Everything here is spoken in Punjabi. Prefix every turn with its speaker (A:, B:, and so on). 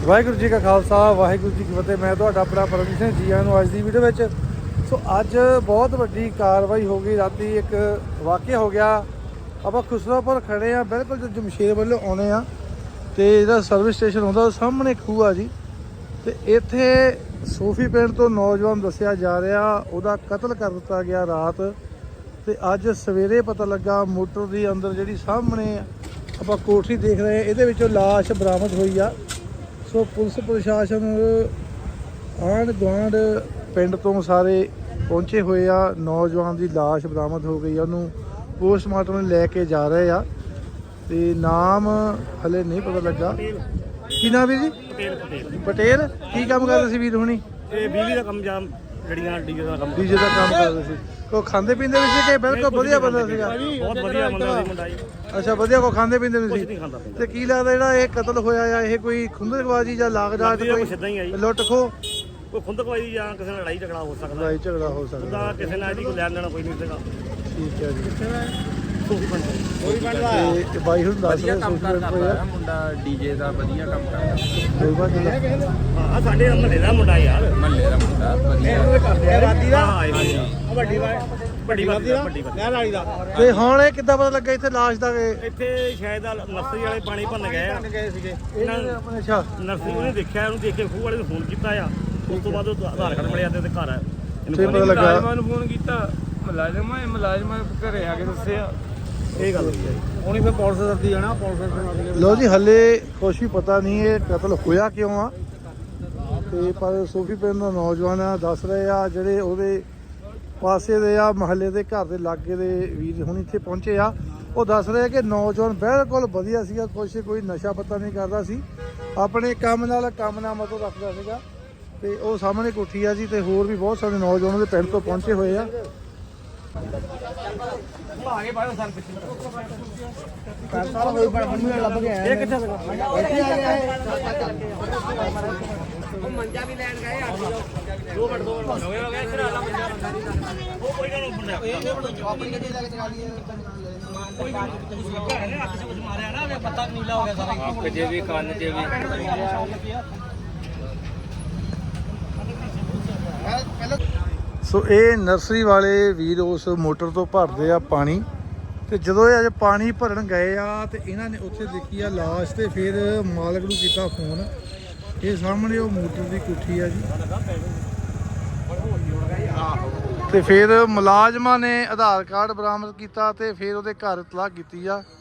A: ਵਾਹਿਗੁਰੂ ਜੀ ਕਾ ਖਾਲਸਾ ਵਾਹਿਗੁਰੂ ਜੀ ਕੀ ਫਤਿਹ। मैं ਤੁਹਾਡਾ ਆਪਣਾ ਪਰਮਜੀਤ ਸਿੰਘ ਜੀ ਆਇਆਂ ਨੂੰ ਅੱਜ ਦੀ ਵੀਡੀਓ ਵਿੱਚ। ਸੋ ਅੱਜ ਬਹੁਤ ਵੱਡੀ ਕਾਰਵਾਈ ਹੋ ਗਈ। ਰਾਤੀ ਇੱਕ ਵਾਕਿਆ ਹੋ ਗਿਆ। ਆਪਾਂ ਖੁਸਰਾਪੁਰ ਖੜੇ ਆ, ਬਿਲਕੁਲ ਜੋ ਜਮਸ਼ੇਰ ਵੱਲੋਂ ਆਉਣੇ ਆ ਤੇ ਇਹਦਾ ਸਰਵਿਸ ਸਟੇਸ਼ਨ ਹੁੰਦਾ ਉਹ ਸਾਹਮਣੇ ਖੂਹ ਆ ਜੀ। ਤੇ ਇੱਥੇ ਸੋਫੀ ਪਿੰਡ ਤੋਂ ਨੌਜਵਾਨ ਦੱਸਿਆ ਜਾ ਰਿਹਾ ਉਹਦਾ ਕਤਲ ਕਰ ਦਿੱਤਾ ਗਿਆ ਰਾਤ। ਤੇ ਅੱਜ ਸਵੇਰੇ ਪਤਾ ਲੱਗਾ ਮੋਟਰ ਦੀ ਅੰਦਰ ਜਿਹੜੀ ਸਾਹਮਣੇ ਆਪਾਂ ਕੋਠੀ ਦੇਖ ਰਹੇ ਇਹਦੇ ਵਿੱਚੋਂ ਲਾਸ਼ ਬਰਾਮਦ ਹੋਈ ਆ। ਸੋ ਪੁਲਿਸ ਪ੍ਰਸ਼ਾਸਨ ਆਂਢ ਗੁਆਂਢ ਪਿੰਡ ਤੋਂ ਸਾਰੇ ਪਹੁੰਚੇ ਹੋਏ ਆ। ਨੌਜਵਾਨ ਦੀ ਲਾਸ਼ ਬਰਾਮਦ ਹੋ ਗਈ ਆ, ਉਹਨੂੰ ਪੋਸਟਮਾਰਟਮ ਲੈ ਕੇ ਜਾ ਰਹੇ ਆ। ਤੇ ਨਾਮ ਹਲੇ ਨਹੀਂ ਪਤਾ ਲੱਗਾ। ਕੀ ਨਾਮ ਵੀਰ ਜੀ? ਪਟੇਲ। ਕੀ ਕੰਮ ਕਰਦੇ ਸੀ ਵੀਰ ਹੁਣੀ?
B: ਇਹ ਬਿਜਲੀ ਦਾ ਕੰਮ ਜਾਂ ਜਿਹੜੀਆਂ ਡੀਜੇ ਦਾ ਕੰਮ
A: ਕਰਦੇ ਸੀ। ਕੋ ਖਾਂਦੇ ਪੀਂਦੇ ਵੀ ਸੀ ਕਿ ਬਿਲਕੁਲ ਵਧੀਆ ਬੰਦਾ ਸੀਗਾ?
B: ਬਹੁਤ ਵਧੀਆ ਮੁੰਡਾ ਜੀ।
A: ਅੱਛਾ, ਵਧੀਆ। ਕੋ ਖਾਂਦੇ ਪੀਂਦੇ ਵੀ
B: ਕੁਝ
A: ਸੀ?
B: ਨਹੀਂ ਖਾਂਦਾ ਪੀਂਦਾ।
A: ਤੇ ਕੀ ਲੱਗਦਾ ਜਿਹੜਾ ਇਹ ਕਤਲ ਹੋਇਆ ਆ ਇਹ ਕੋਈ ਖੁੰਦਕਬਾਜ਼ੀ ਜਾਂ ਲਾਗਡਾਟ, ਕੋਈ ਲੁੱਟ ਖੋ,
B: ਕੋਈ ਖੁੰਦਕਬਾਜ਼ੀ ਜਾਂ ਕਿਸੇ ਨਾਲ ਲੜਾਈ ਝਗੜਾ ਹੋ ਸਕਦਾ?
A: ਲੜਾਈ ਝਗੜਾ ਹੋ ਸਕਦਾ।
B: ਉਹਦਾ ਕਿਸੇ ਨਾਲ ਇਹਦੀ ਕੋਈ ਲੈਣ ਦੇਣਾ ਕੋਈ ਨਹੀਂ ਸੀਗਾ।
A: ਠੀਕ ਹੈ ਜੀ।
B: ਸੋਫੀ ਪਿੰਡ
A: ਤੇ ਬਾਈ ਹੁਣ ਦੱਸ ਰਿਹਾ
C: ਮੁੰਡਾ ਡੀਜੇ ਦਾ ਵਧੀਆ ਕੰਮ ਕਰਦਾ।
B: ਹਾਂ, ਸਾਡੇ ਮਹੱਲੇ ਦਾ ਮੁੰਡਾ ਯਾਰ।
C: ਮਹੱਲੇ ਦਾ ਮੁੰਡਾ ਵਧੀਆ
B: ਵਾਦੀ ਦਾ। ਹਾਂ, ਵੱਡੀ ਵਾਦੀ ਦਾ।
A: ਤੇ ਹੁਣ ਇਹ ਕਿੱਦਾਂ ਪਤਾ ਲੱਗਾ ਇੱਥੇ ਲਾਸ਼ ਦਾ?
B: ਇੱਥੇ ਸ਼ਾਇਦ ਨਰਸਰੀ ਵਾਲੇ ਪਾਣੀ ਭਰਨ ਗਏ ਸੀਗੇ।
A: ਆਪਣੇ ਅੱਛਾ
B: ਨਰਸਰੀ ਉਹਨੇ ਦੇਖਿਆ, ਉਹਨੂੰ ਦੇਖ ਕੇ ਖੂਹ ਵਾਲੇ ਨੂੰ ਫੋਨ ਕੀਤਾ ਆ। ਉਸ ਤੋਂ ਬਾਅਦ ਉਹ ਆਧਾਰ ਕਾਰਡ ਮਿਲਿਆ ਤੇ ਉਹਦੇ ਘਰ ਆ।
A: ਤੇ ਪਤਾ ਲੱਗਾ
C: ਮੁਲਾਜ਼ਮਾਂ ਨੂੰ ਫੋਨ ਕੀਤਾ, ਮੁਲਾਜ਼ਮਾਂ ਘਰੇ ਆ ਕੇ ਦੱਸਿਆ
B: ਇਹ ਗੱਲ ਹੋਈ ਹੈ।
C: ਉਹਨੇ ਫਿਰ ਪੁਲਿਸ ਦੱਸਦੀ ਜਾਣਾ, ਪੁਲਿਸ
A: ਲੋ ਜੀ। ਹਲੇ ਕੁਛ ਵੀ ਪਤਾ ਨਹੀਂ ਇਹ ਕਤਲ ਹੋਇਆ ਕਿਉਂ ਆ। ਤੇ ਪਰ ਸੋਫੀ ਪਿੰਡ ਦਾ ਨੌਜਵਾਨ ਆ ਦੱਸ ਰਹੇ ਆ ਜਿਹੜੇ ਉਹਦੇ ਪਾਸੇ ਦੇ ਆ ਮਹੱਲੇ ਦੇ ਘਰ ਦੇ ਲਾਗੇ ਦੇ ਵੀਰ ਹੁਣ ਇੱਥੇ ਪਹੁੰਚੇ ਆ। ਉਹ ਦੱਸ ਰਹੇ ਕਿ ਨੌਜਵਾਨ ਬਿਲਕੁਲ ਵਧੀਆ ਸੀਗਾ, ਕੋਈ ਨਸ਼ਾ ਪੱਤਾ ਨਹੀਂ ਕਰਦਾ ਸੀ, ਆਪਣੇ ਕੰਮ ਨਾਲ ਮਤਲਬ ਰੱਖਦਾ ਸੀਗਾ। ਤੇ ਉਹ ਸਾਹਮਣੇ ਕੋਠੀ ਆ ਜੀ। ਤੇ ਹੋਰ ਵੀ ਬਹੁਤ ਸਾਰੇ ਨੌਜਵਾਨ ਦੇ ਪਿੰਡ ਤੋਂ ਪਹੁੰਚੇ ਹੋਏ ਆ।
B: ਇਹ ਕਿੱਥੇ
C: ਮੰਜਾ ਵੀ ਲੈਣ ਗਏ ਆ।
B: 2 ਮਿੰਟ ਹੋ ਗਏ ਇੱਧਰ ਆ ਮੰਜਾ। ਉਹ ਕੋਈ ਗੱਲ ਨਹੀਂ
C: ਆਪਣੀ ਗੱਡੀ ਲੈ ਕੇ ਚਲਾ ਲਈਏ। ਕੋਈ ਗੱਲ ਨਹੀਂ, ਅੱਖ 'ਚ ਕੁਝ ਮਾਰਿਆ ਨਾ, ਪੱਤਾ ਨੀਲਾ ਹੋ ਗਿਆ ਸਾਰਾ। ਅੱਖ 'ਚ ਵੀ, ਕੰਨ 'ਚ ਵੀ।
A: ਸੋ ਇਹ ਨਰਸਰੀ ਵਾਲੇ ਵੀਰ ਉਸ ਮੋਟਰ ਤੋਂ ਭਰਦੇ ਆ ਪਾਣੀ। ਤੇ ਜਦੋਂ ਇਹ ਅੱਜ ਪਾਣੀ ਭਰਨ ਗਏ ਆ ਤੇ ਇਹਨਾਂ ਨੇ ਉੱਥੇ ਦੇਖੀ ਆ ਲਾਸ਼। ਤੇ ਫਿਰ ਮਾਲਕ ਨੂੰ ਕੀਤਾ ਫੋਨ। ਇਹ ਸਾਹਮਣੇ ਉਹ ਮੋਟਰ ਦੀ ਕੋਠੀ ਆ ਜੀ। ਤੇ ਫਿਰ ਮੁਲਾਜ਼ਮਾਂ ਨੇ ਆਧਾਰ ਕਾਰਡ ਬਰਾਮਦ ਕੀਤਾ ਤੇ ਫਿਰ ਉਹਦੇ ਘਰ ਇਤਲਾਹ ਕੀਤੀ ਆ।